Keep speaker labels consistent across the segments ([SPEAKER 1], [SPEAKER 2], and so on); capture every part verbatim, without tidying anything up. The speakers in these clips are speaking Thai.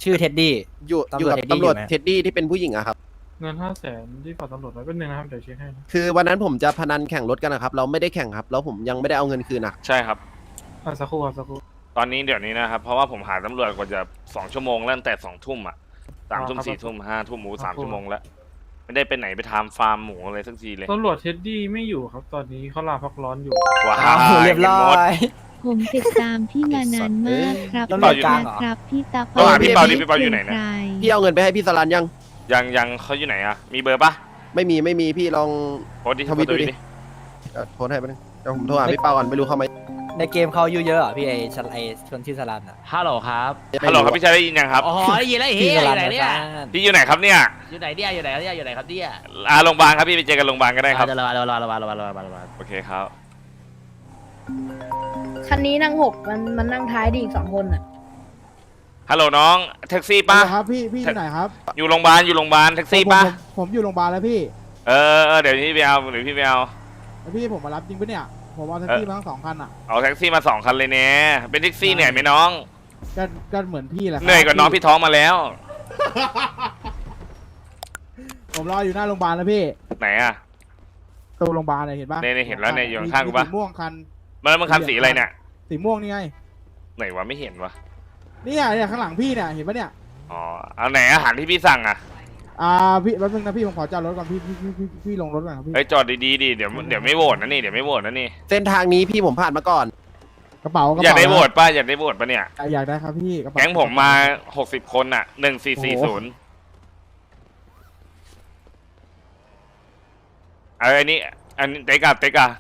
[SPEAKER 1] ชื่อเท็ดดี้
[SPEAKER 2] อยู่อยู่กับตำรวจเท็ดดี้ที่เป็นผู้หญิงอะครับ
[SPEAKER 3] เงินห้าแสนที่ฝากตำรวจไว้เป็นหนึ่งนะครับเดี๋ยวเช็คให้นะ
[SPEAKER 2] คือวันนั้นผมจะพนันแข่งรถกันนะครับเราไม่ได้แข่งครับแล้วผมยังไม่ได้เอาเงินคืนนะ
[SPEAKER 4] ใช่ครับ
[SPEAKER 3] อ่ะสักครู่ครับสักครู่
[SPEAKER 4] ตอนนี้เดี๋ยวนี้นะครับเพราะว่าผมหาตำรวจกว่าจะสองชั่วโมงแล้วตั้งแต่สองทุ่มอ่ะสามทุ่มสี่ทุ่มห้าทุ่มหมูสามชั่วโมงแล้วไม่ได้ไปไหนไปทำฟาร์มหมูอะไรสักทีเลย
[SPEAKER 3] ตำรวจเท็ดดี้ไม่อยู่ครับตอนนี้เขาลาพักร้อนอยู่
[SPEAKER 4] ว้า
[SPEAKER 1] อ้าวเรียบร้อย
[SPEAKER 5] ผมติดตามพี่มานานมากครับ
[SPEAKER 1] ตำรวจกลางเหรอ
[SPEAKER 5] ครับพี่ตา
[SPEAKER 4] ต้องหาพี่เปาดิพี่เปาอยู่ไหนเนี่ย
[SPEAKER 2] พี่เอาเงินไปให้พี่สลันยัง
[SPEAKER 4] ยังยังเขาอยู่ไหนอ่ะมีเบอร์ปะ
[SPEAKER 2] ไม่มีไม่มีพี่ลอง
[SPEAKER 4] โพสต์ดิ
[SPEAKER 2] ทวิตดูดิ
[SPEAKER 4] ดิ
[SPEAKER 2] เดี๋ยวโทรให้ไปบนึงเดี๋ยวผมโทรหาพี่เปาก่อนไม่รู้เข้าไหม
[SPEAKER 1] ในเกมเขาอายุเยอะเหรอพี่ไอชันไอชนชื่อสลันอ่ะ
[SPEAKER 6] ฮัลโหลครับ
[SPEAKER 4] ฮัลโหลครับพี่ชายได้ยินยังครับ
[SPEAKER 6] อ๋อได้ยินแล้ว
[SPEAKER 1] พี่
[SPEAKER 6] เฮีย
[SPEAKER 1] ส
[SPEAKER 6] อ
[SPEAKER 1] ลัน
[SPEAKER 6] ยู่ไหนเนี่ย
[SPEAKER 4] พี่อยู่ไหนครับเนี่ย
[SPEAKER 6] อยู่ไหนเนี่ยอยู่ไหนเนี่ยอยู่ไหนครับเนี่ย
[SPEAKER 4] อ่าโรงพยาบาลครับพี่ไปเจอกันโรงพยาบาลก็ได้ครับ
[SPEAKER 6] เดี๋ยวระวังระวังระวังระวังระวังระวังระวัง
[SPEAKER 4] โอเคครับ
[SPEAKER 7] คันนี้นั่งหกมันมันนั่งท้ายดีอีกสองคนอ่ะ
[SPEAKER 4] ฮัลโหลน้องแท็กซี่ปะ
[SPEAKER 8] ครับพี่พี่ที่ไหนครับ
[SPEAKER 4] อยู่โรงพยาบาลอยู่โรงพยาบาลแท็กซี่
[SPEAKER 8] ผม
[SPEAKER 4] ปะ
[SPEAKER 8] ผมผมอยู่โรงพยาบาลแล้วพี่
[SPEAKER 4] เออเออเดี๋ยวพี่ไปเอาเดี๋ยวพี่ไปเอา
[SPEAKER 8] แล้วพี่ผมมารับจริงปะเนี่ยผมเอาแท็กซี่มาทั้งสองคันอ่ะ
[SPEAKER 4] เอาแท็กซี่มาสองคันเลยเนี่ยเป็นแท็กซี่เหนื่อยไหมน้อง
[SPEAKER 8] ก็ก็เหมือนพี่แหละครับ
[SPEAKER 4] เหนื่อยกว่าน้องพี่ท้องมาแล้ว
[SPEAKER 8] ผมรออยู่หน้าโรงพยาบาลแล้วพี่
[SPEAKER 4] ไหนอ่ะ
[SPEAKER 8] ตัวโรงพยาบาลเนี่ยเห็นปะ
[SPEAKER 4] เนี่ยๆเห็นแล้วเนี่ยอยู่ข้างๆกู
[SPEAKER 8] มี
[SPEAKER 4] ปะ
[SPEAKER 8] สีม่วงคัน
[SPEAKER 4] มันแล้วมันคันสีอะไรเนี่ย
[SPEAKER 8] สีม่วงนี่ไง
[SPEAKER 4] ไหนวะไม่เห็นวะ
[SPEAKER 8] เนี่ยเนี่ยข้างหลังพี่เนี่ยเห็นปะเนี่ย
[SPEAKER 4] อ๋อเอาไหนอาหารที่พี่สั่งอ่ะ
[SPEAKER 8] อ่าพี่แป๊บนึงนะพี่ผมขอจอดรถก่อนพี่พี่พี่พี่พี่ลงรถก่อนครับพี่
[SPEAKER 4] เฮ้ยจอดดีๆดิเดี๋ยวเดี๋ยวไม่โหวตนะนี่เดี๋ยวไม่โหวตนะนี่
[SPEAKER 2] เส้นทางนี้พี่ผมผ่านมาก่อน
[SPEAKER 8] กระเป๋ากระ
[SPEAKER 4] อยาก
[SPEAKER 8] เป๋า
[SPEAKER 4] ได้โหวตป่ะอยากได้โหวตป่ะเนี่ย
[SPEAKER 8] อ่ะอยากได้ครับพี่กระเป๋า
[SPEAKER 4] แก๊งผมมาหกสิบคนอ่ะหนึ่งสี่สี่ศูนย์เอออันนี้อันนี้เตกาเตกา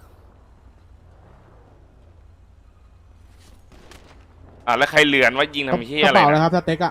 [SPEAKER 4] อ่ะแล้วใครเหลือนว่ายิงทำเฮีย
[SPEAKER 8] ก
[SPEAKER 4] อะ
[SPEAKER 8] ระ
[SPEAKER 4] ไร
[SPEAKER 8] เป๋าเลย
[SPEAKER 4] นะครับ
[SPEAKER 8] สเต็กอะ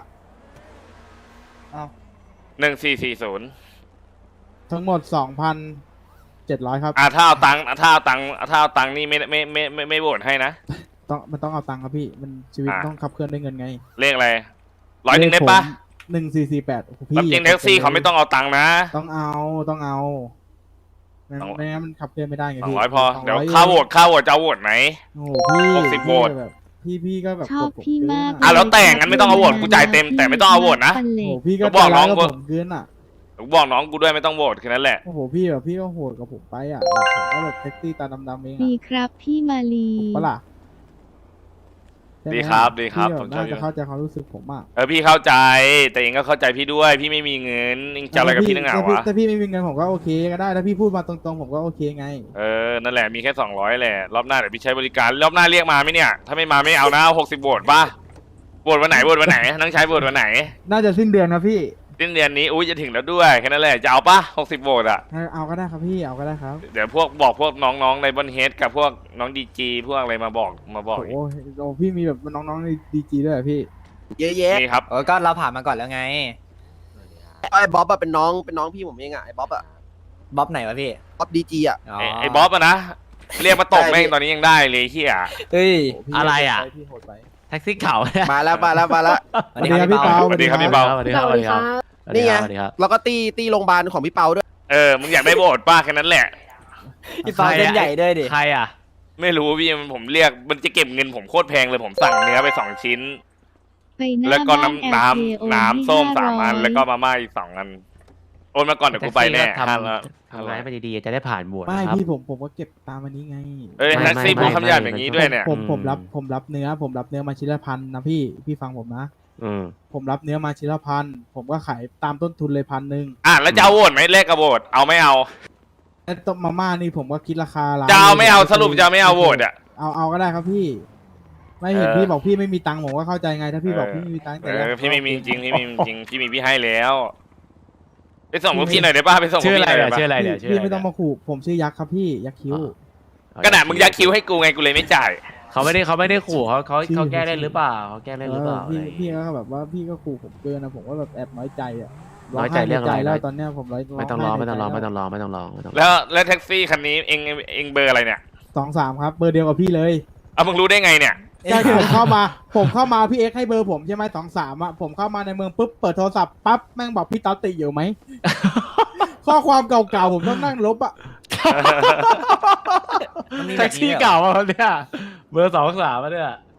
[SPEAKER 4] หนึ่งสี่สี่ศูนย์
[SPEAKER 8] ทั้งหมดสองพันเจ็ดร้อยครับ
[SPEAKER 4] อ่ะถ้าเอาตังค์ถ้าเอาตังค์ถ้าเอาตังค์นี่ไม่ไม่ไม่ไม่ไม่โหวตให้นะ
[SPEAKER 8] ต้องมันต้องเอาตังค์ครับพี่มันชีวิต
[SPEAKER 4] อ่ะ
[SPEAKER 8] ต้องขับเคลื่อนด้วยเงินไง
[SPEAKER 4] เลขอะไรร้อยหนึ่งได้ปะ
[SPEAKER 8] หนึ่งสี่สี่แปดโอ้โห
[SPEAKER 4] รับ
[SPEAKER 8] พี่
[SPEAKER 4] จริงแท็กซี่เขาไม่ต้องเอาตังค์นะ
[SPEAKER 8] ต้องเอาต้องเอาไม่
[SPEAKER 4] ต้อง
[SPEAKER 8] ไม่งั้นมันขับเคลื่อนไม่ได้ไง
[SPEAKER 4] สอง
[SPEAKER 8] พี่
[SPEAKER 4] ร้อยพอ
[SPEAKER 8] สง
[SPEAKER 4] เดี๋ยว
[SPEAKER 8] ร้
[SPEAKER 4] ค่าโหวตค่าโหวตจะเอาโหวตไหม
[SPEAKER 8] โอ้โหพี่
[SPEAKER 4] หกสิบโหวต
[SPEAKER 8] แบบพี่พี่ก็แบบ
[SPEAKER 5] ชอบ
[SPEAKER 8] กดผ
[SPEAKER 5] พี่มาก
[SPEAKER 8] เกิน
[SPEAKER 4] อ่ะแล้วแต่งั้นไม่ต้องเอาโหวตกูจ่ายเต็มแต่ไม่ต้องเอาโหวตนะ
[SPEAKER 8] โอ้โหพี่ก็
[SPEAKER 4] ก็บอกน้อง
[SPEAKER 8] ใจ
[SPEAKER 4] กู
[SPEAKER 8] ร้ายกับผมเกินอ่ะ
[SPEAKER 4] ผมบอกน้องกูด้วยไม่ต้องโหวตแค่นั้นแหละ
[SPEAKER 8] โอ้โหพี่แบบพี่ก็โหดกับผมไปอ่ะแบบผมก็แบบแท็กซี่ตาดำๆเอง
[SPEAKER 5] ดี
[SPEAKER 8] อ่ะ
[SPEAKER 5] ครับพี่มาลี
[SPEAKER 8] ปะล่ะใช่ไหม
[SPEAKER 4] ดีครับดีครับ
[SPEAKER 8] พี่
[SPEAKER 4] ผ
[SPEAKER 8] แบ
[SPEAKER 4] ม
[SPEAKER 8] บ
[SPEAKER 4] ชอบ
[SPEAKER 8] น่า
[SPEAKER 4] อ
[SPEAKER 8] จะ
[SPEAKER 4] ยู่
[SPEAKER 8] เข้าใจความรู้สึกผมอ่ะ
[SPEAKER 4] เออพี่เข้าใจแต่เองก็เข้าใจพี่ด้วย พี่ไม่มีเงินเองจะอะไรกับพี่นักหนาวะ
[SPEAKER 8] ถ้าพี่ไม่มีเงินผมก็โอเคก็ได้ถ้าพี่พูดมาตรงๆผมก็โอเคไง
[SPEAKER 4] เออนั่นแหละมีแค่สองร้อยแหละรอบหน้าเดี๋ยวพี่ใช้บริการรอบหน้าเรียกมาไหมเนี่ยถ้าไม่มาไม่เอานะหกสิบโหวตป่ะโหวตวันไหนโหวตวันไหนน้องใช้โหวตวันไหน
[SPEAKER 8] น่าจะสิ้นเดือนนะพี่
[SPEAKER 4] สิ้นเดือนนี้อุ้ยจะถึงแล้วด้วยแค่นั้นแหละจะเอาป่ะหกสิบโหวตอ่ะ
[SPEAKER 8] เอาก็ได้ครับพี่เอาก็ได้ครับ
[SPEAKER 4] เดี๋ยวพวกบอกพวกน้องๆในบนเฮดกับพวกน้องดีจีพวกอะไรมาบอกมาบอก
[SPEAKER 8] โอ้โหโอ้พี่มีแบบน้องๆในดีจีด้วยเหรอพี่
[SPEAKER 2] เยอะแยะ
[SPEAKER 4] นี่ครับ
[SPEAKER 1] เออก็เราผ่านมาก่อนแล้วไง
[SPEAKER 2] ไอ้บ๊อบอะเป็นน้องเป็นน้องพี่ผมเองอะไอ้บ๊อบอะ
[SPEAKER 1] บ๊อบไหนวะพี่
[SPEAKER 2] บ๊อบดีจีอะ
[SPEAKER 1] อ๋อ
[SPEAKER 4] ไอ้ไอ้บ๊อบอะนะเรียกมาตกแม่งตอนนี้ยังได้เลยเฮีย
[SPEAKER 1] เฮ้ย
[SPEAKER 8] โพี่
[SPEAKER 6] อะไรอ่ะ
[SPEAKER 8] พี่โหดไป
[SPEAKER 6] แท็กซี่เก่าเนี่ย
[SPEAKER 2] มาแล้วมาแล้วมาแล้ว
[SPEAKER 1] สวัสดีครับพี่เปา
[SPEAKER 4] สวัสดีครับพี่เปา
[SPEAKER 6] สวัสดีครับสวัสดีครับ
[SPEAKER 2] นี่ไง
[SPEAKER 6] สวัสดีครับ
[SPEAKER 2] แล้วก็ตีตีโรงพยาบาลของพี่เปาด้วย
[SPEAKER 4] เออมึงอยากได้โหวตป้าแค่นั้นแหละ
[SPEAKER 1] พี่เปาเส้นใหญ่ด้วยดิ
[SPEAKER 6] ใครอ่ะ
[SPEAKER 4] ไม่รู้พี่มันผมเรียกมันจะเก็บเงินผมโคตรแพงเลยผมสั่งเนื้อไปสองชิ้น
[SPEAKER 5] ไปหน้า
[SPEAKER 4] แล้วก็
[SPEAKER 5] บ้าน
[SPEAKER 4] น้ำ
[SPEAKER 5] แอ
[SPEAKER 4] น้
[SPEAKER 5] ล เค โอน
[SPEAKER 4] ำน้ำส้ม
[SPEAKER 5] ให้
[SPEAKER 4] สามอัน
[SPEAKER 5] ห้ร้ย
[SPEAKER 4] แล้วก็มาม่าอีกสองอันโอนมาก่อนเดี๋ยวกูไปแน่
[SPEAKER 6] แท็กซี่ก็ทำ
[SPEAKER 4] ห้าร้อย
[SPEAKER 6] ทำงานไปดีๆจะได้ผ่านบวช
[SPEAKER 8] ไม่
[SPEAKER 6] นะครับ
[SPEAKER 8] พี่ผมผมก็เก็บตามอันนี้ไง
[SPEAKER 4] เอ้ย
[SPEAKER 6] ไม่
[SPEAKER 4] แท็กซี่
[SPEAKER 6] ไม่
[SPEAKER 4] พูด
[SPEAKER 6] ไม่
[SPEAKER 4] คำหยาบ
[SPEAKER 6] ไม่
[SPEAKER 4] อย่างนี้ด้วยเนี่ย
[SPEAKER 8] ผมผม
[SPEAKER 6] อืม
[SPEAKER 8] รับผมรับเนื้อ ผมรับเนื้อมาชิ้นละพันนะพี่พี่ฟังผมนะ
[SPEAKER 6] อืม
[SPEAKER 8] ผมรับเนื้อมาชิ้นละพันผมก็ขายตามต้นทุนเลยพันหนึ่ง
[SPEAKER 4] อ่ะแล้วจะเอาโหวตไหมเลขกับโหวตเอาไม่เอา
[SPEAKER 8] แล้วต้มมาม่านี่ผมก็คิดราคาร้าน
[SPEAKER 4] จะเอาไม่เอาสรุปจะเอาไม่เอาโหวตอ่ะ
[SPEAKER 8] เอาเอาก็ได้ครับพี่ ไม่เห็น
[SPEAKER 4] เออ
[SPEAKER 8] พี่บอกพี่ไม่มีตังค์ผมก็เข้าใจไงถ้าพี่บอกพี่ไม่มีตังค์
[SPEAKER 4] เอ
[SPEAKER 8] แต่แรก
[SPEAKER 4] อพี่ไม่มีจริงพี่ไม่มีจริงพี่มีพี่ให้แล้วไปส่งพวกพี่หน่อยได้ป่ะไปส่งพว
[SPEAKER 6] ชื่
[SPEAKER 4] ก
[SPEAKER 6] ออะไร
[SPEAKER 4] พี่หน่อย
[SPEAKER 6] เนี่ย
[SPEAKER 4] ได้
[SPEAKER 6] ชื่อ
[SPEAKER 4] ป่ะ
[SPEAKER 6] อะไรเนี่ยชื่อ
[SPEAKER 8] พี่
[SPEAKER 6] อะไร
[SPEAKER 8] ไม่ต้องมาขู่ผมชื่อยักษ์ครับพี่ยักษ์คิ้ว
[SPEAKER 4] กระดาษมึงยักคิ้วให้กูไงกูเลยไม่จ่าย
[SPEAKER 6] เขาไม่ได้เขาไม่ได้ขู่เขาเขา
[SPEAKER 8] ชื่อ
[SPEAKER 6] เขาแก้เล่นหรือเปล่าเขาแก้เล่นหรือเปล่า
[SPEAKER 8] เออพี่
[SPEAKER 6] อะไรอย่าง
[SPEAKER 8] พี่
[SPEAKER 6] เงี้ย
[SPEAKER 8] ก็แบบว่าพี่ก็ขู่ผมเกินนะผมก็แบบแอบน้อยใจอ่ะ
[SPEAKER 6] น้อยใจเรื่องอะไร
[SPEAKER 8] ไห้ในแล้วตอนเนี้ยผมร้อย
[SPEAKER 6] ไม่ต้องรอไม่ต้องรอไม่
[SPEAKER 8] ไห้ในใจ
[SPEAKER 6] ต้องรอไม่ต้องรอไม่ต้องรอ
[SPEAKER 4] แล้วแล้วแท็กซี่คันนี้เองเองเบอร์อะไรเนี่ย
[SPEAKER 8] สองสามครับเบอร์เดียวกับพี่เลย
[SPEAKER 4] เอามึงรู้ได้ไงเนี่ย
[SPEAKER 8] ใช่ผมเข้ามา ผมเข้ามาพี่เอ็กซ์ให้เบอร์ผมใช่ไหมสองสามอ่ะผมเข้ามาในเมืองปุ๊บเปิดโทรศัพท์ปั๊บแม่งบอกพี่ต๊อตติอยู่ไหม ข้อความเก่าๆผมต้องนั่งลบอ่ะ
[SPEAKER 1] มันมี
[SPEAKER 6] แท็
[SPEAKER 1] แบบ
[SPEAKER 6] ก
[SPEAKER 1] นี้
[SPEAKER 6] ซี่
[SPEAKER 1] ด้วยเหรอ
[SPEAKER 6] เก่ามาเนี่ยเบอร์สองสามมาเนี่ย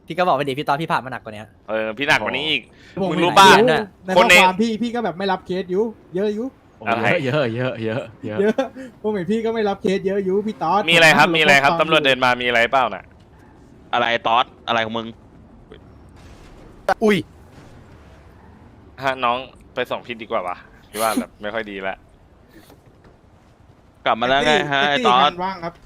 [SPEAKER 1] พี่ก็บอกไปดิพี่ตอนพี่ผ่านมาหนักกว่านี้
[SPEAKER 4] เออพี่หนักกว่านี้อีก
[SPEAKER 8] ผม
[SPEAKER 4] มึง
[SPEAKER 8] เห็น
[SPEAKER 4] รู้ป่ะ
[SPEAKER 8] อยู่ใน
[SPEAKER 4] ค
[SPEAKER 8] ข้อน
[SPEAKER 4] ใน
[SPEAKER 8] ความพี่พี่ก็แบบไม่รับเคสอยู่เยอะอยู่
[SPEAKER 4] อะไร
[SPEAKER 6] เยอะเยอะเยอะเยอะ
[SPEAKER 8] เยอะผมเห็นพี่ก็ไม่รับเคสเยอะอยู่พี่ต๊อด
[SPEAKER 4] มีอะไรครับ
[SPEAKER 8] ผ
[SPEAKER 4] มีอะไรครับ
[SPEAKER 8] ข้อวา
[SPEAKER 4] ตำรวจเดินมามีอะไรเปล่าน่ะ
[SPEAKER 9] อะไรตอสอะไรของมึง
[SPEAKER 2] อุ้ย
[SPEAKER 4] ฮะน้องไปส่งพี่ดีกว่าวะพี่ว่าแบบไม่ค่อยดีแล้ว
[SPEAKER 9] กลับมาแล้วไงฮะไอ้
[SPEAKER 8] แท็ก
[SPEAKER 9] ต
[SPEAKER 8] ซี่
[SPEAKER 9] อ
[SPEAKER 8] คั
[SPEAKER 9] ส
[SPEAKER 8] นว่างครับ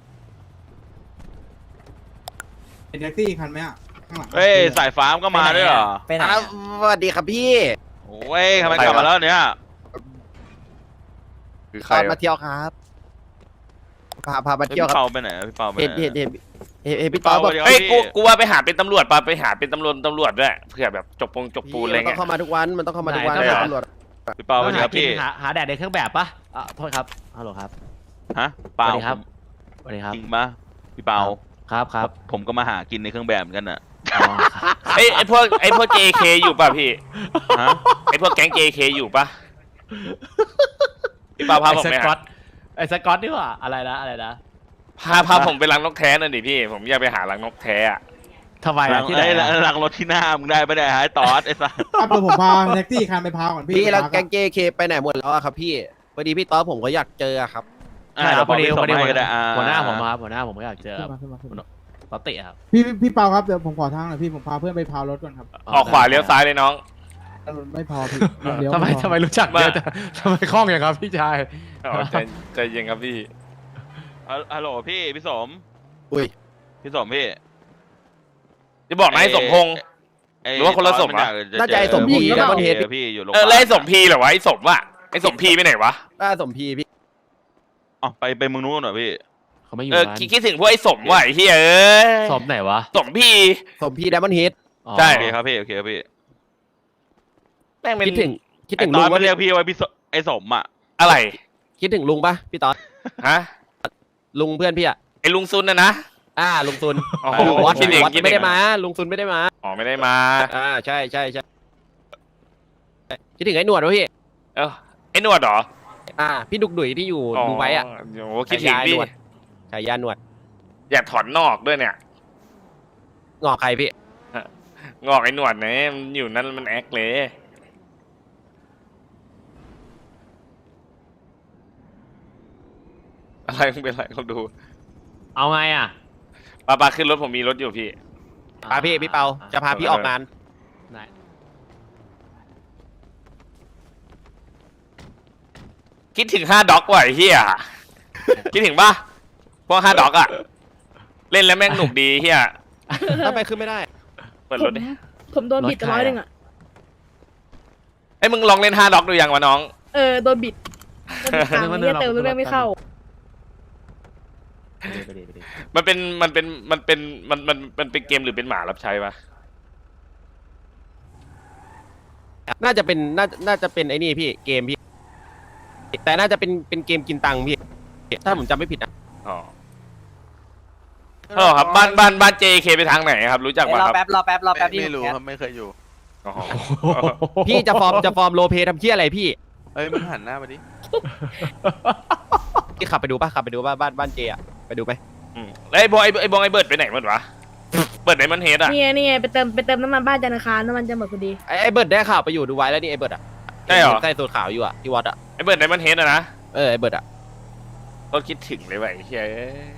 [SPEAKER 8] เป็นแท็กซี่คันไหมอ่ะข้างหลัง
[SPEAKER 9] เฮ้ยสายฟ้ามก็มาด้วยเหรอ
[SPEAKER 1] ไปไหน
[SPEAKER 2] อ่ะ
[SPEAKER 1] อะ
[SPEAKER 2] สวัสดีครับพี่
[SPEAKER 9] โอ้ยทำไมกลับมาแล้วเนี่ย
[SPEAKER 4] คือใค
[SPEAKER 2] ต
[SPEAKER 4] ร
[SPEAKER 2] อน
[SPEAKER 4] วะ
[SPEAKER 2] มาเที่ยวครับพาพามา
[SPEAKER 9] พี่
[SPEAKER 2] เที่ยวครับ
[SPEAKER 9] เปาไปไหนพี่เปาไปไห
[SPEAKER 2] เห็น
[SPEAKER 9] น
[SPEAKER 2] เห็นเห็นเห็นเห็นพี่ต๊อดบอก
[SPEAKER 9] พี่เปา
[SPEAKER 4] เฮ้ย
[SPEAKER 9] พี่
[SPEAKER 4] กูกูว่าไปหาเป็นตำรวจปะไปหาเป็นตำรวจตำรวจด้วยเผื่อแบบจบปงจบปูนอะไร
[SPEAKER 2] มันต้อ
[SPEAKER 4] เงี้
[SPEAKER 2] ง
[SPEAKER 4] ย
[SPEAKER 2] เข้ามาทุกวันมันต้องเข้ามาทุกวัน
[SPEAKER 4] ได้เหรอ
[SPEAKER 2] ตำรวจ
[SPEAKER 9] พี่เปาไปไหนครับพี่
[SPEAKER 6] หาหาแดดในเครื่องแบบปะอ่ะโทษครับฮัลโหลครับ
[SPEAKER 9] ฮะเปล่า
[SPEAKER 6] สวัสดีครับ สวัสดีครับ
[SPEAKER 9] จริงปะพี่เปา
[SPEAKER 6] ครับครับ
[SPEAKER 9] ผมก็มาหากินในเครื่องแบบเหมือนกันน่ะ
[SPEAKER 6] อ๋อครับ
[SPEAKER 4] ไอ้ไอ้พวกไอ้พวก เจ เค อยู่ป่ะพี่
[SPEAKER 9] ฮะ
[SPEAKER 4] ไอ้พวกแก๊ง เจ เค อยู่ป่ะพี่ปาพาผม
[SPEAKER 6] ไอ้
[SPEAKER 4] ไป
[SPEAKER 6] สกอ
[SPEAKER 4] หา
[SPEAKER 6] ตไอ้สกอตนี่หว่าอะไรนะอะไรนะ
[SPEAKER 4] พาพาผมไปรังนกแท้หน่อยดิพี่ ผมอยากไปหารังนกแท้อะ
[SPEAKER 6] ทำไม
[SPEAKER 9] หลั
[SPEAKER 6] อะ
[SPEAKER 9] ง
[SPEAKER 6] ที่ไหน
[SPEAKER 9] ไอ้
[SPEAKER 6] อะ
[SPEAKER 9] หลังรถที่หน้ามึงได้ปะเนี่ยฮะไอ้ตอสไอ้สัส
[SPEAKER 8] ครับเดี๋ยวผมพาแท็กซี่คันไปพาก่อนพี่
[SPEAKER 2] พี่แล้ว
[SPEAKER 8] ไปพา
[SPEAKER 2] แก๊งเจเคไปไหนหมดแล้วอะครับพี่พอดีพี่ต๊อดผมก็อยากเจออะครับ
[SPEAKER 6] ใช่ครับพอดี
[SPEAKER 9] เยว
[SPEAKER 6] พอดี
[SPEAKER 9] ส่ง
[SPEAKER 6] หัว
[SPEAKER 9] ให้ก็ได้อ่
[SPEAKER 6] หัวหน้าผมครับหัวหน้าผมก็อยากเจอ
[SPEAKER 8] ขึ้นมาขึ้นมาขึ้นมา
[SPEAKER 6] ตอติครับ
[SPEAKER 8] พี่พี่เปาครับเดี๋ยวผมขอทางหน่อยพี่ผมพาเพื่อนไปพาวรถก่อนครับ
[SPEAKER 4] ออกขวาเลี้ยวซ้ายเลยน้อง
[SPEAKER 8] ไม่พอพี่เดี๋ยว
[SPEAKER 6] ทำไม
[SPEAKER 8] พอ
[SPEAKER 6] ทำไมรู้จักเยอะจังทำไมคล่องอย่างครับพี่ชาย
[SPEAKER 4] อ๋อใจใจเย็นครับพี่
[SPEAKER 9] ฮัลฮัลโหลพี่พี่สม
[SPEAKER 2] อุ้ย
[SPEAKER 9] พี่สมพี่
[SPEAKER 4] จะบอกนายสมพงษ์
[SPEAKER 9] ไอ้
[SPEAKER 4] หรือว่าคนละสม
[SPEAKER 9] ตอ
[SPEAKER 4] วะ
[SPEAKER 9] นนอยากจ
[SPEAKER 2] น่าจะไอ้สมพี
[SPEAKER 9] เจอ
[SPEAKER 2] แล้วมัน
[SPEAKER 9] พี่
[SPEAKER 2] เห็น
[SPEAKER 9] พี่อยู่โรงพ
[SPEAKER 4] เอย
[SPEAKER 9] า
[SPEAKER 4] อ
[SPEAKER 9] บาล
[SPEAKER 4] แล้วไอ้สมพีเหรอวะไอ้สมอะไอ้สมพีไปไหนวะ
[SPEAKER 2] น่าสมพีพี่
[SPEAKER 9] อ๋อไปไปเมืองนู้นหน่อยพี่
[SPEAKER 6] เขาไม่อยู่
[SPEAKER 4] เออ
[SPEAKER 6] ร้าน
[SPEAKER 4] คิดคิดถึงพวกไอ้สมว่ะไอ้เฮียเอ้ย
[SPEAKER 6] สมไหนวะ
[SPEAKER 4] สมพี
[SPEAKER 2] สมพีไดมอนด์เฮด
[SPEAKER 6] อ๋อ
[SPEAKER 4] ใช่
[SPEAKER 9] โอเคครับพี่โอเคครับพี่
[SPEAKER 4] แม่งเป็น
[SPEAKER 2] คิดถึงคิด
[SPEAKER 9] ไอ้
[SPEAKER 2] ถึง
[SPEAKER 9] ต
[SPEAKER 2] ลุ
[SPEAKER 9] อน
[SPEAKER 2] ง
[SPEAKER 9] ไม่
[SPEAKER 2] ว่า
[SPEAKER 9] เรียกพี่ว่าพี่สไอ้สมอ่ะ
[SPEAKER 4] อะไร
[SPEAKER 2] คิดถึงลุงปะพี่ต๊อด
[SPEAKER 4] ฮะ
[SPEAKER 2] ลุงเพื่อนพี่อะ
[SPEAKER 4] ไอ้ลุงซุนนะนะ
[SPEAKER 2] อ่าลุงซุน
[SPEAKER 4] อ๋อ
[SPEAKER 2] วัด
[SPEAKER 4] คิดถึง
[SPEAKER 2] วัด
[SPEAKER 4] คิดถึง
[SPEAKER 2] ไม่ได้มาลุงซุนไม่ได้มา
[SPEAKER 4] อ๋อไม่ได้มา
[SPEAKER 2] อ่าใช่ใช่ใช่คิดถึงไอ้หนวดวะพี่
[SPEAKER 4] เออไอ้หนวดเหรอ
[SPEAKER 2] อ่า พี่ดุกดุยที่อยู่
[SPEAKER 4] อ๋อ
[SPEAKER 2] ดูไว้อะ
[SPEAKER 4] โอ้คิดถึงดิ
[SPEAKER 2] ฉายาหนวด ฉายาหนวด
[SPEAKER 4] อยากถอนนอกด้วยเนี่ย
[SPEAKER 2] งอกใครพี่
[SPEAKER 4] งอกไอ้หนวดเนี่ยมันอยู่นั่นมันแอคเลยอะไรมึงเป็นไรเขาดู
[SPEAKER 6] เอาไงอ่ะ
[SPEAKER 4] ปาปาขึ้นรถผมมีรถอยู่พี่
[SPEAKER 2] พาพี่พี่เปาจะพาพี่ออกงาน
[SPEAKER 6] ไหน
[SPEAKER 4] คิดถึงห้าด็อกว่ะไอ้เฮียคิดถึงปะพวกห้าด็อกอะเล่นแล้วแม่งหนุกดีเฮีย
[SPEAKER 2] ทำไมขึ้นไม่ได้
[SPEAKER 4] เปิด
[SPEAKER 7] ผ
[SPEAKER 4] ร
[SPEAKER 7] ม
[SPEAKER 4] ถดิ
[SPEAKER 7] ผมโดนบิดไปร้อยหนึ่งอ่ะ
[SPEAKER 4] ไอ้ยมึงลองเล่นห้าด็อกดูยังวะน้อง
[SPEAKER 7] เออโดนบิดโดนบิดตังค์เนี่ยเติมเรื่องไม่เข้า
[SPEAKER 6] ไปดิไปดิ
[SPEAKER 4] มันเป็นมันเป็นมันเป็นมันมันมันเป็นเกมหรือเป็นหมารับใช้ปะ
[SPEAKER 2] น่าจะเป็นน่าน่าจะเป็นไอ้นี่พี่เกมพี่ แต่น่าจะเป็นเป็นเกมกินตังค์พี่ ถ้าผมจำไม่ผิดนะ
[SPEAKER 4] อ๋อฮัลโหลครับบ้านบ้านบ้าน เจ เค ไปทางไหนครับ รู้จัก
[SPEAKER 1] เอ้ย
[SPEAKER 4] ปะ
[SPEAKER 1] รอ
[SPEAKER 4] ครับ
[SPEAKER 1] แป๊บรอแป๊บรอแป๊บพี่
[SPEAKER 10] ไม่รู้
[SPEAKER 1] แคท
[SPEAKER 10] ครับไม่เคยอยู่
[SPEAKER 4] อ๋อ
[SPEAKER 2] พี่จะฟอร์มจะฟอร์มโรลเพลย์ทำเพี้ยอะไรพี่
[SPEAKER 10] เอ้ยมึงหันหน้ามาดิ
[SPEAKER 2] พี่ขับไปดูป่ะขับไปดูป่ะบ้านบ้านเจอะไปดูไหม
[SPEAKER 4] อืมแล้วไอ้บอยไอ้ไอ้บอยไอ้เบิร์ดไปไหนหมดวะเบิร์ดไหนมันเฮดอะ
[SPEAKER 7] นี่ไงนี่ไงไปเติมไปเติมน้ำมันบ้านจันทร์อังคารน้ำมันจะหมดพอดี
[SPEAKER 2] ไอ้ไอ้เบิร์ดได้ข่าวไปอยู่ดูไว้แล้วนี่ไอ้เบิร์ดอะ
[SPEAKER 4] ใช่เหรอ
[SPEAKER 2] ใส่สูทขาวอยู่อะที่วัดอะ
[SPEAKER 4] ไอ้เบิร์ดไหนมันเฮดอะนะ
[SPEAKER 2] เออไอ้เบิร์ดอะ
[SPEAKER 4] ก็คิดถึงเลยว่ะไอ้เฮ้ย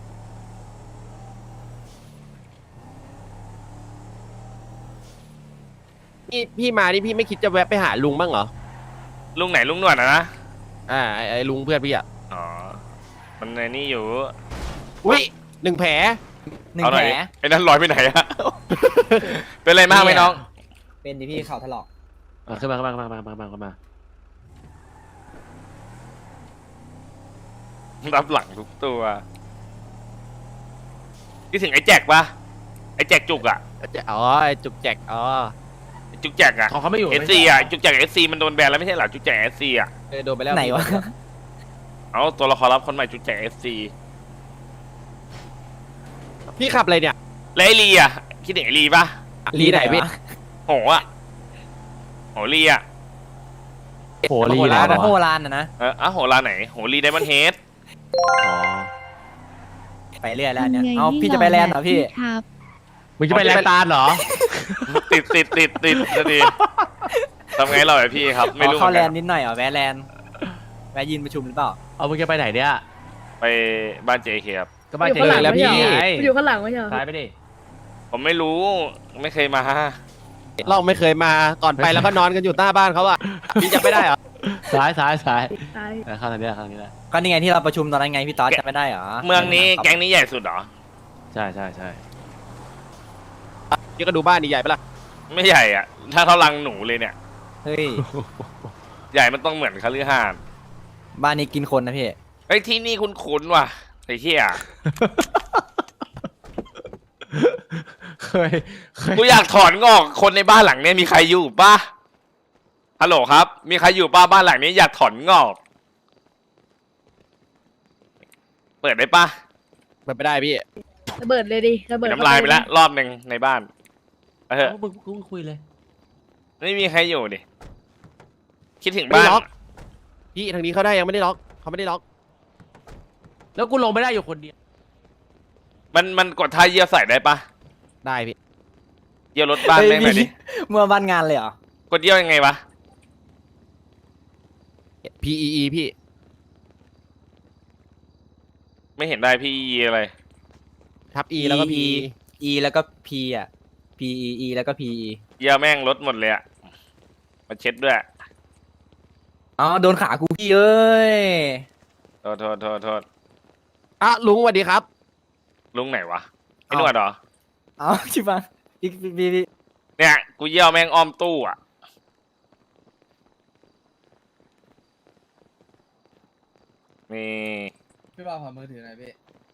[SPEAKER 2] พี่พี่มานี่พี่ไม่คิดจะแวะไปหาลุงบ้างเหรอ
[SPEAKER 4] ลุงไหนลุงหนวดอะนะ
[SPEAKER 2] อ่าไอ้ไอ้ลุงเพื่อนพี่อะ
[SPEAKER 4] อ๋อมันในนี่อยู่
[SPEAKER 2] อุ้ยหนึ่งแผล
[SPEAKER 1] หนึ่ง
[SPEAKER 4] เอาห
[SPEAKER 1] แผ
[SPEAKER 4] น่
[SPEAKER 1] ล
[SPEAKER 4] อยไอ้นั่นลอยไปไหนอะ เป็นไรมากไหมน้อง
[SPEAKER 1] เป็นดิพี่เข่าถลอก
[SPEAKER 6] อ่ะขึ้นมาขึ้นมาขึ้นมาขึ้นมาขึ้นมา
[SPEAKER 4] รับหลังทุกตัวคิดถึงไอ้แจ็คปะไอ้แจ็คจุกอะ
[SPEAKER 2] อ๋อไอ้จุกแจกอ๋อ
[SPEAKER 4] ไอ้จุกแจ็คอะ
[SPEAKER 6] เขาเขาไม่อยู่
[SPEAKER 4] เอสซีอะจุกแจ็คเอสซีมันโดนแบนแล้วไม่ใช่เหรอจุกแจ็คเอสซีอะ
[SPEAKER 2] เออโดนไปแล้ว
[SPEAKER 1] ไหนวะ
[SPEAKER 4] เอาตัวละครลับคนใหม่จุกแจ็คเอสซี
[SPEAKER 2] พี่ขับอะไรเนี่ย
[SPEAKER 4] แล้วไอ้ลีอะคิดถึงไอ้ลีปะ
[SPEAKER 2] ลีไหนพี่
[SPEAKER 1] วะ
[SPEAKER 4] โหอะโหลีอะ
[SPEAKER 6] โหรี
[SPEAKER 1] โห
[SPEAKER 6] แล้
[SPEAKER 1] ราน
[SPEAKER 6] ว
[SPEAKER 1] โหรานนะนะ
[SPEAKER 4] เอออ่ะโหลาไหนโหลีไดมอนด์เฮด
[SPEAKER 6] อ๋อ
[SPEAKER 1] ไปเรื่อยแล้วเนี่ย
[SPEAKER 5] ทำไง
[SPEAKER 1] เอา
[SPEAKER 5] ให้
[SPEAKER 1] พี่จะไปแลนด์เหรอพี่
[SPEAKER 5] ครับ
[SPEAKER 6] มึงจะไปแลกตาลเหรอ
[SPEAKER 4] ติดติดติดติดจะดีทำไงเราไอพี่ครับ ไม่รู้
[SPEAKER 1] อ๋อเข้า
[SPEAKER 4] เห
[SPEAKER 1] แล
[SPEAKER 4] มือน
[SPEAKER 1] น
[SPEAKER 4] กัน
[SPEAKER 1] ด์นิดหน่อยเหรอแวะแลนด์แวะยืนประชุมหรือเปล่า
[SPEAKER 6] เอามึงจะไปไหนเนี่ย
[SPEAKER 4] ไปบ้านเจเคครับ
[SPEAKER 6] ก็บ้าน
[SPEAKER 7] อยู่
[SPEAKER 6] เจ
[SPEAKER 7] ข้างหลัง
[SPEAKER 6] แล้วพี่
[SPEAKER 7] ไม่ใช่เหรอ
[SPEAKER 6] ไง
[SPEAKER 7] อยู่ข้างหลังไม่ใช่เหรอ
[SPEAKER 6] ซ้ายไปดิ
[SPEAKER 4] ผมไม่รู้ไม่เคยมา
[SPEAKER 2] เราไม่เคยมาก่อนไปแล้วก็นอนกันอยู่หน้าบ้านเขาอะพี่จำไม่ได้เหรอ
[SPEAKER 6] ซ้ายซ้ายซ้าย
[SPEAKER 7] ตาย
[SPEAKER 6] เออเข้าทางนี้แหละเข้าทางนี้แหละ
[SPEAKER 1] ก็นี่ไงที่เราประชุมตอนนั้นไงพี่ต๊อดจำไม่ได้เหรอ
[SPEAKER 4] เมืองนี้แก๊งนี้ใหญ่สุดเหรอ
[SPEAKER 6] ใช่ใช่ใช่
[SPEAKER 2] พี่ก็ดูบ้านนี่ใหญ่ปะล่ะ
[SPEAKER 4] ไม่ใหญ่อ่ะ ถ้าเท่ารังหนูเลยเนี่ย
[SPEAKER 1] เฮ้ย
[SPEAKER 4] ใหญ่มันต้องเหมือนคฤหาสน์
[SPEAKER 1] บ้านนี้กินคนนะพี่
[SPEAKER 4] เฮ้ยที่นี่คุ้นๆว่ะไอ้เหี้ย
[SPEAKER 6] เคยเคย
[SPEAKER 4] กูอยากถอนงอกคนในบ้านหลังเนี้ยมีใครอยู่ปะฮัลโหลครับ มีใครอยู่ป้าบ้านหลังนี้อยากถอนงอก เปิดได้ปะ
[SPEAKER 2] เปิดไม่ได้พี่
[SPEAKER 7] ระเบิดเลยดิระเบิด
[SPEAKER 4] น้ำลายไปแล้วรอบหนึ่งในบ้านเออ
[SPEAKER 6] เอามึงมึงคุยเลย
[SPEAKER 4] ไม่มีใครอยู่ดิคิดถึง
[SPEAKER 2] ไม่ได้
[SPEAKER 4] บ้าน
[SPEAKER 2] ล็อก พี่ทางนี้เขาได้ยังไม่ได้ล็อกเขาไม่ได้ล็อก
[SPEAKER 6] แล้วกูลงไม่ได้อยู่คนเดียว
[SPEAKER 4] มันมันกดท่าเยี่ยวใส่ได้ปะ
[SPEAKER 2] ได้พี่
[SPEAKER 4] เยี่ยวรถบ้าน
[SPEAKER 1] เฮ้ย
[SPEAKER 4] แม่งหน่อยดิ
[SPEAKER 1] พี่ เมื่อบ้านงานเลยเหรอ
[SPEAKER 4] กดเยี่ยวยังไงวะ
[SPEAKER 2] P E E พี่
[SPEAKER 4] ไม่เห็นได้พี่อะไร
[SPEAKER 2] ทับ E แล้วก็ P
[SPEAKER 1] E แล้วก็ P อ่ะ P E E แล้วก็ P E
[SPEAKER 4] เยี่ยวแม่งลดหมดเลยอะมาเช็ดด้วย
[SPEAKER 1] อ๋อโดนขากูพี่เอ้ย
[SPEAKER 4] โทษโทษโทษโทษ
[SPEAKER 2] อ่ะลุงสวัสดีครับ
[SPEAKER 4] ลุงไหนวะไอ้หนวดเหรอ
[SPEAKER 1] เอาชิบังพี่พี่พี่พี่
[SPEAKER 4] เนี่ยกูเยี่ยวแม่งอ้อมตู้อ่ะนี่
[SPEAKER 8] พี่บ่าวขอมือถือหน่อยพี่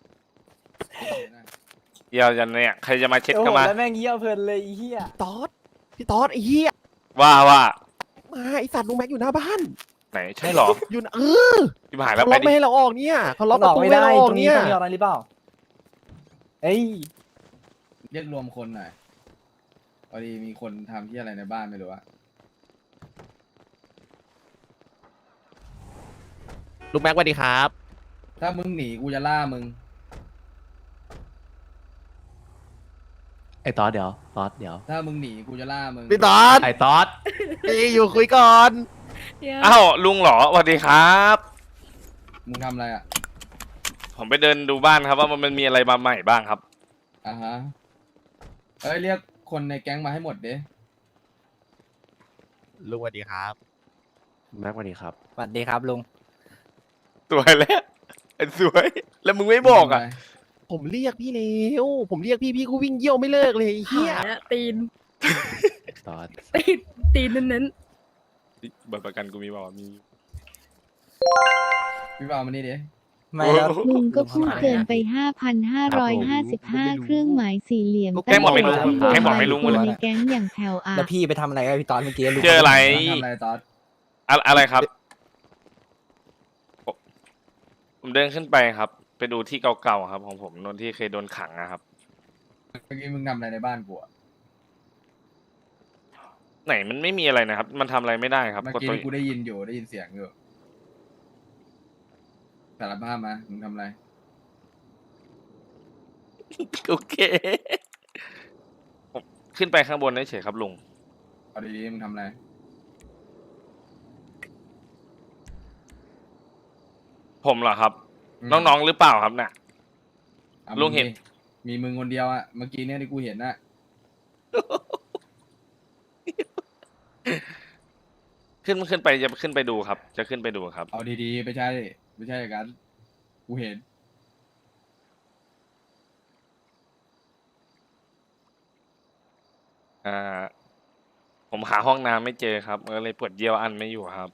[SPEAKER 4] เยี่ยวยันเนี่ยใครจะมาเช็ด
[SPEAKER 1] โอ้
[SPEAKER 4] ก็
[SPEAKER 1] โห
[SPEAKER 4] มา
[SPEAKER 1] แล้วแม่งเยี่ยวเพลินเลยไอ้เหี้ย
[SPEAKER 2] ตอดพี่ตอดไอ้เหี้ย
[SPEAKER 4] ว่าว่า
[SPEAKER 2] มาไอสัตว์ลุงแม็กอยู่หน้าบ้าน
[SPEAKER 4] ไหนใช่เหรอ
[SPEAKER 2] อยู่นะเออ
[SPEAKER 4] ที่หายแล้ว
[SPEAKER 2] เขา
[SPEAKER 4] ไป
[SPEAKER 2] ล็อก
[SPEAKER 4] ดิ
[SPEAKER 2] ไม่ให้เราออกเนี่ยเขาล็อก
[SPEAKER 1] ห
[SPEAKER 2] ป
[SPEAKER 1] ล
[SPEAKER 2] ระ
[SPEAKER 1] อก
[SPEAKER 2] ตู
[SPEAKER 1] ไม่
[SPEAKER 2] ไม่ให้
[SPEAKER 1] ได้
[SPEAKER 2] เราออก
[SPEAKER 1] ตรงนี้
[SPEAKER 2] เนี่ย
[SPEAKER 1] ต้องมีอะไรหรือเปล่าเอ้ย
[SPEAKER 8] เรียกรวมคนหน่อยพอดีมีคนทำที่อะไรในบ้านไม่รู้อะ
[SPEAKER 2] ลุงแม็กสวัสดีครับ
[SPEAKER 8] ถ้ามึงหนีกูจะล่ามึง
[SPEAKER 6] ไอ้ตอดเดี๋ยวตอดเดี๋ยว
[SPEAKER 8] ถ้ามึงหนีกูจะล่ามึง
[SPEAKER 2] พี่ตอด
[SPEAKER 6] ไอ้ตอด
[SPEAKER 2] พี่อยู่คุยก่อน
[SPEAKER 7] เดี๋ยว
[SPEAKER 4] อ้าวลุงเหรอสวัสดีครับ
[SPEAKER 8] มึงทำอะไรอะ
[SPEAKER 4] ผมไปเดินดูบ้านครับว่ามันมีอะไรมาใหม่บ้างครับ
[SPEAKER 8] อ่าฮะเอ้ยเรียกคนในแก๊งมาให้หมดเด้
[SPEAKER 2] ลุงสวัสดีครับ
[SPEAKER 6] แม็กสวัสดีครับ
[SPEAKER 1] สวัสดีครับลุง
[SPEAKER 4] สวยแล้วไอ้สวย แล้วมึงไม่บอกอ่ะ
[SPEAKER 2] ผมเรียกพี่เร็วผมเรียกพี่พี่ก็วิ่งเยี่ยวไม่เลิกเลยไอ้เฮีย
[SPEAKER 7] หายละตีน
[SPEAKER 6] ตอด
[SPEAKER 7] ตีนตีนเน้น
[SPEAKER 4] บัตรประกันกูมีบอกว่ามี
[SPEAKER 8] พี่บ่าวมานี่เด้
[SPEAKER 1] ไม่แล้ว
[SPEAKER 5] ลุงก็พูดเกินไป ห้าพันห้าร้อยห้าสิบห้า เครื่องหมายสี่เหลี่ยม
[SPEAKER 4] แกบอกไม่รู้
[SPEAKER 5] ตั้งแต่
[SPEAKER 4] แกบอกไม่รู้
[SPEAKER 5] คน
[SPEAKER 4] เลย
[SPEAKER 5] ในแก๊งอย่างแถวอ่ะ
[SPEAKER 1] แล้วพี่ไปทำอะไรกับพี่ตอนเมื่อกี้ลุง
[SPEAKER 4] เจออะไร
[SPEAKER 8] ทำอะไรตอด
[SPEAKER 4] อะอะไรครับ ผมเดินขึ้นไปครับ ไปดูที่เก่าๆครับ ของผมนนที่เคยโดนขังนะครับ
[SPEAKER 8] เมื่อกี้มึงทำอะไรในบ้านกูอะ
[SPEAKER 4] ไหนมันไม่มีอะไรนะครับ มันทำอะไรไม่ได้ครับ
[SPEAKER 8] เมื่อก
[SPEAKER 4] ด
[SPEAKER 8] กี้
[SPEAKER 4] ตัว
[SPEAKER 8] นี่กูได้ยินอยู่ได้ยินเสียงอยู่สารภาพมามึงทำอะไร
[SPEAKER 4] โอเคผมขึ้นไปข้างบนเฉยๆครับลุง
[SPEAKER 8] เอาดีๆมึงทำอะไร
[SPEAKER 4] ผมเหรอครับ
[SPEAKER 8] อืม
[SPEAKER 4] น้องๆหรือเปล่าครับเนี่ย
[SPEAKER 8] อ่ะ
[SPEAKER 4] ลุงเห็น
[SPEAKER 8] มีมีมึงคนเดียวอะเมื่อกี้เนี่ยที่กูเห็นน่ะ
[SPEAKER 4] ขึ้นขึ้นไปจะขึ้นไปดูครับ จะขึ้นไปดูครับ
[SPEAKER 8] เอาดีๆไม่ใช่ไม่ใช่อย่างนั้นกูเห็น
[SPEAKER 4] อ่า ผมหาห้องน้ำไม่เจอครับก็เลยปวดเยี่ยวอันไม่อยู่ครับ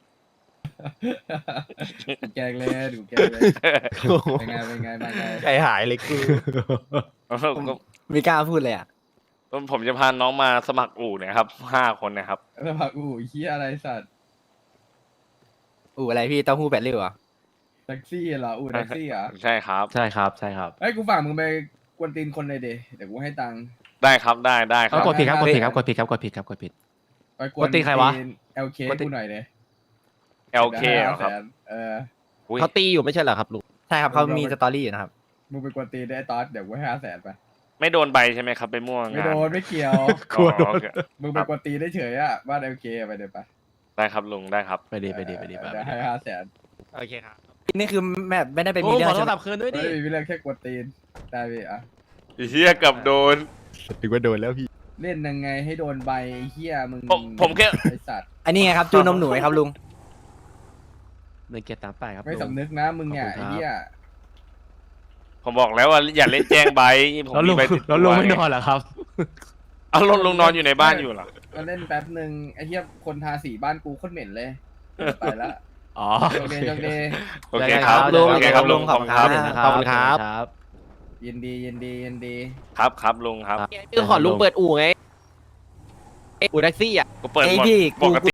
[SPEAKER 8] กูแกล้งเล่นกูแกล้งเล่นเป็นไงเป็นไงเป็นไง
[SPEAKER 2] ใจหายเลยกู
[SPEAKER 4] ก็
[SPEAKER 1] ไม่กล้าพูดเลยอ่ะ
[SPEAKER 4] ผมจะพาน้องมาสมัครอู่เนี่ยครับห้าคนนะครับ
[SPEAKER 8] แล้วพักอู้เฮียอะไรสัตว์
[SPEAKER 1] อู๋อะไรพี่เต้าหู้แปดริ้วเหรอ
[SPEAKER 8] แท็กซี่เหรออู้แท็กซี่เหรอ
[SPEAKER 4] ใช่ครับ
[SPEAKER 6] ใช่ครับใช่ครับ
[SPEAKER 8] เอ้ยกูฝากมึงไปกวนตีนคนเลยเดเดี๋ยวกูให้ตังค์
[SPEAKER 4] ได้ครับได้ได้ค
[SPEAKER 6] เอา
[SPEAKER 4] รับ
[SPEAKER 6] กดผิดครับกดผิดครับ
[SPEAKER 8] เฮ้ย
[SPEAKER 6] กดผิดครับกดผิดครับกดผิด
[SPEAKER 8] ไปกวน
[SPEAKER 6] กวนตีนใครวะ
[SPEAKER 8] เอลเค
[SPEAKER 6] กวนตีน
[SPEAKER 8] กูหน่อยเด
[SPEAKER 4] เอลเคเหรอครับ
[SPEAKER 8] เออ
[SPEAKER 4] อุ๊ย
[SPEAKER 2] เขาตีอยู่ไม่ใช่เหรอครับลุง
[SPEAKER 1] ใช่ครับเขามีสตอรี่อยู่นะครับ
[SPEAKER 8] มึงไปกวนตีนได้ตอสเดี๋ยวกูให้ห้าแสนไป
[SPEAKER 4] ไม่โดนใบใช่ไหมครับไปม่วง
[SPEAKER 10] ไม่
[SPEAKER 4] งาน
[SPEAKER 10] โดนไม่เกี่ยว
[SPEAKER 4] กลัวโดน
[SPEAKER 10] มึงไปกวนตีนได้เฉยอ่ะบ้านเอลเคไปเดี๋ยวไป
[SPEAKER 4] ได้ครับลุงได้ครับ
[SPEAKER 6] ไปดีไปดีไปดีไป
[SPEAKER 10] เดี๋ยว
[SPEAKER 6] ดี
[SPEAKER 10] ให้ห้าแสน
[SPEAKER 2] โอเคครับ
[SPEAKER 1] นี่คือแบบไม่ได้ไป
[SPEAKER 2] โอ้
[SPEAKER 1] มีเรื่อ
[SPEAKER 2] ของ โท
[SPEAKER 1] ใช่
[SPEAKER 2] ร
[SPEAKER 1] ไหม
[SPEAKER 2] ศัพท์คืนด้วยดิ
[SPEAKER 10] ไม่มีเรื่องแค่กวนตีนได้พี่อ่ะ
[SPEAKER 4] ไอ้เฮียกับโดน
[SPEAKER 6] ถึงว่าโดนแล้วพี่
[SPEAKER 10] เล่นยังไงให้โดนใบไอ้เฮียมึง
[SPEAKER 4] ผมผมแค่
[SPEAKER 10] ไอสัตว์
[SPEAKER 1] อันนี้ไงครับจูนนมหนูไงครับลุง
[SPEAKER 6] ในเกียรติตามไปครับ
[SPEAKER 10] ไม่
[SPEAKER 6] ลุง
[SPEAKER 10] สำนึกนะมึงเนี่ย
[SPEAKER 6] ขอบคุณครับ
[SPEAKER 10] ไอ้เฮีย
[SPEAKER 4] ผมบอกแล้วว่าอย่าเล่นแจ้งใบผม
[SPEAKER 6] แล้วลุ
[SPEAKER 4] มี
[SPEAKER 6] ง
[SPEAKER 4] ใบติด
[SPEAKER 6] แล้ว
[SPEAKER 4] ตั
[SPEAKER 6] ลุ
[SPEAKER 4] ว
[SPEAKER 6] งไม่
[SPEAKER 4] ไง
[SPEAKER 6] นอนเหรอครับ
[SPEAKER 4] เอาลุงลุงนอนอยู่ในบ้านอยู่เหรอ
[SPEAKER 10] มาเล่นแป๊บหนึ่งไอ้เฮียคนทาสีบ้านกูโคตรเหม็นเลยไปละ
[SPEAKER 6] อ๋อ
[SPEAKER 10] โอเคโอเค
[SPEAKER 4] โอเคครับ
[SPEAKER 2] ลุง
[SPEAKER 4] โอเคครับลุงขอบคุณครับ
[SPEAKER 2] ขอบคุณครับ
[SPEAKER 6] ครับ
[SPEAKER 10] ยินดียินดียินดี
[SPEAKER 4] ครับครับลุงครับ
[SPEAKER 2] คือขอลุงเปิดอู่ไงอู่แท็กซี่อ่ะ
[SPEAKER 4] ก็เปิด
[SPEAKER 1] ไอ้
[SPEAKER 4] หมด
[SPEAKER 1] พี่
[SPEAKER 4] ป
[SPEAKER 1] กู
[SPEAKER 4] กติ